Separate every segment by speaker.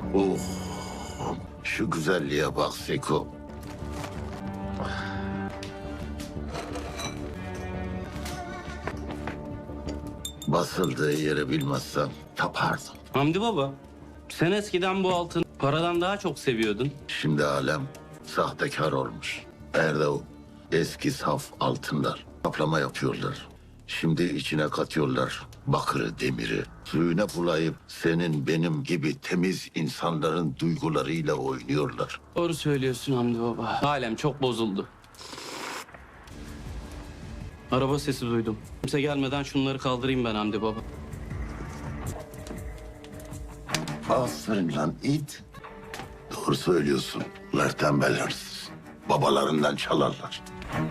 Speaker 1: Oh, şu güzelliğe bak Seko. Basıldığı yeri bilmezsem tapardım.
Speaker 2: Hamdi baba, sen eskiden bu altını paradan daha çok seviyordun.
Speaker 1: Şimdi alem sahtekar olmuş. Nerede o eski saf altınlar? Kaplama yapıyorlar. Şimdi içine katıyorlar bakırı, demiri. Suyuna bulayıp senin benim gibi temiz insanların duygularıyla oynuyorlar.
Speaker 2: Doğru söylüyorsun Hamdi baba. Alem çok bozuldu. Araba sesi duydum. Kimse gelmeden şunları kaldırayım ben Hamdi baba.
Speaker 1: Aferin lan it. Doğru söylüyorsun. Bunlar tembel hırsız. Babalarından çalarlar.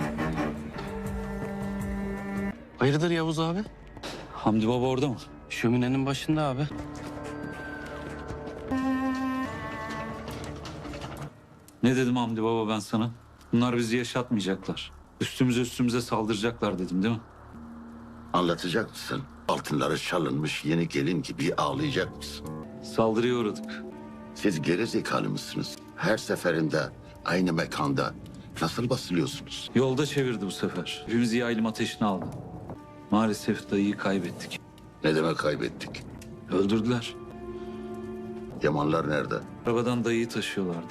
Speaker 2: Hayırdır Yavuz abi?
Speaker 3: Hamdi Baba orada mı?
Speaker 2: Şöminenin başında abi.
Speaker 3: Ne dedim Hamdi Baba ben sana? Bunlar bizi yaşatmayacaklar. Üstümüze saldıracaklar dedim değil mi?
Speaker 1: Anlatacak mısın? Altınları çalınmış yeni gelin gibi ağlayacak mısın?
Speaker 3: Saldırıya uğradık.
Speaker 1: Siz geri zekalı mısınız? Her seferinde aynı mekanda nasıl basılıyorsunuz?
Speaker 3: Yolda çevirdi bu sefer. Hepimiz yaylım ateşine aldı. Maalesef dayıyı kaybettik.
Speaker 1: Ne demek kaybettik?
Speaker 3: Öldürdüler.
Speaker 1: Yamanlar nerede?
Speaker 3: Arabadan dayıyı taşıyorlardı.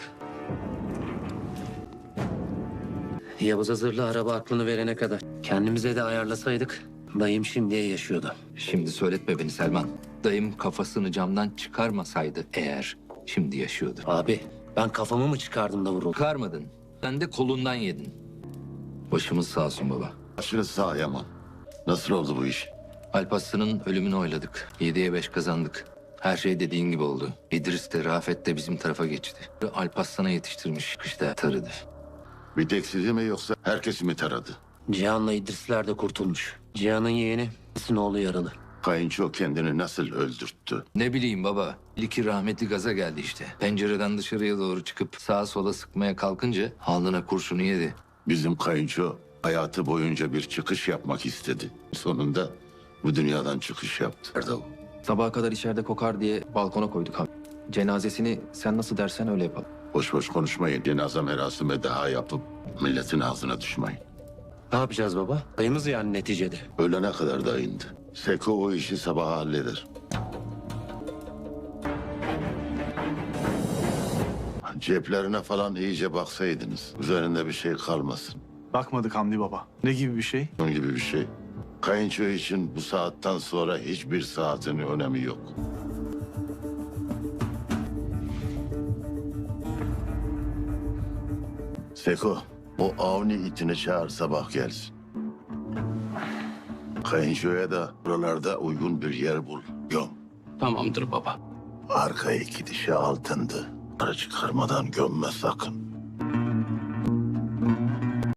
Speaker 4: Yavuz Hazırlı araba aklını verene kadar. Kendimize de ayarlasaydık dayım şimdiye yaşıyordu.
Speaker 5: Şimdi söyletme beni Selman. Dayım kafasını camdan çıkarmasaydı eğer şimdi yaşıyordu.
Speaker 4: Abi ben kafamı mı çıkardım da vuruldum?
Speaker 5: Çıkarmadın. Sen de kolundan yedin. Başımız sağ olsun baba.
Speaker 1: Başınız sağ Yaman. Nasıl oldu bu iş?
Speaker 5: Alparslan'ın ölümünü oyladık. 7'ye 5 kazandık. Her şey dediğin gibi oldu. İdris de Rafet de bizim tarafa geçti. Alparslan'a yetiştirmiş kışta tarıdı.
Speaker 1: Bir tek sizi mi yoksa herkesi mi taradı?
Speaker 4: Cihan'la İdrisler de kurtulmuş. Cihan'ın yeğeni İdris'in oğlu yaralı.
Speaker 1: Kayınço kendini nasıl öldürttü?
Speaker 5: Ne bileyim baba. İlki rahmetli gaza geldi işte. Pencereden dışarıya doğru çıkıp sağa sola sıkmaya kalkınca alnına kurşunu yedi.
Speaker 1: Bizim kayınço hayatı boyunca bir çıkış yapmak istedi. Sonunda bu dünyadan çıkış yaptı. Nerede o?
Speaker 6: Sabaha kadar içeride kokar diye balkona koyduk abi. Cenazesini sen nasıl dersen öyle yapalım.
Speaker 1: Boş boş konuşmayın. Cenaze merasimi daha yapıp milletin ağzına düşmeyin.
Speaker 4: Ne yapacağız baba? Dayımız yani neticede.
Speaker 1: Ölene kadar da indi. Seko o işi sabaha halleder. Ceplerine falan iyice baksaydınız. Üzerinde bir şey kalmasın.
Speaker 7: Bakmadık Hamdi Baba. Ne gibi bir şey?
Speaker 1: Bunun gibi bir şey. Kayınço için bu saatten sonra hiçbir saatin önemi yok. Seko, o Avni itini çağır sabah gelsin. Kayınçoya da buralarda uygun bir yer bul. Göm.
Speaker 2: Tamamdır baba.
Speaker 1: Arka iki dişi altındı. Para çıkarmadan gömme sakın.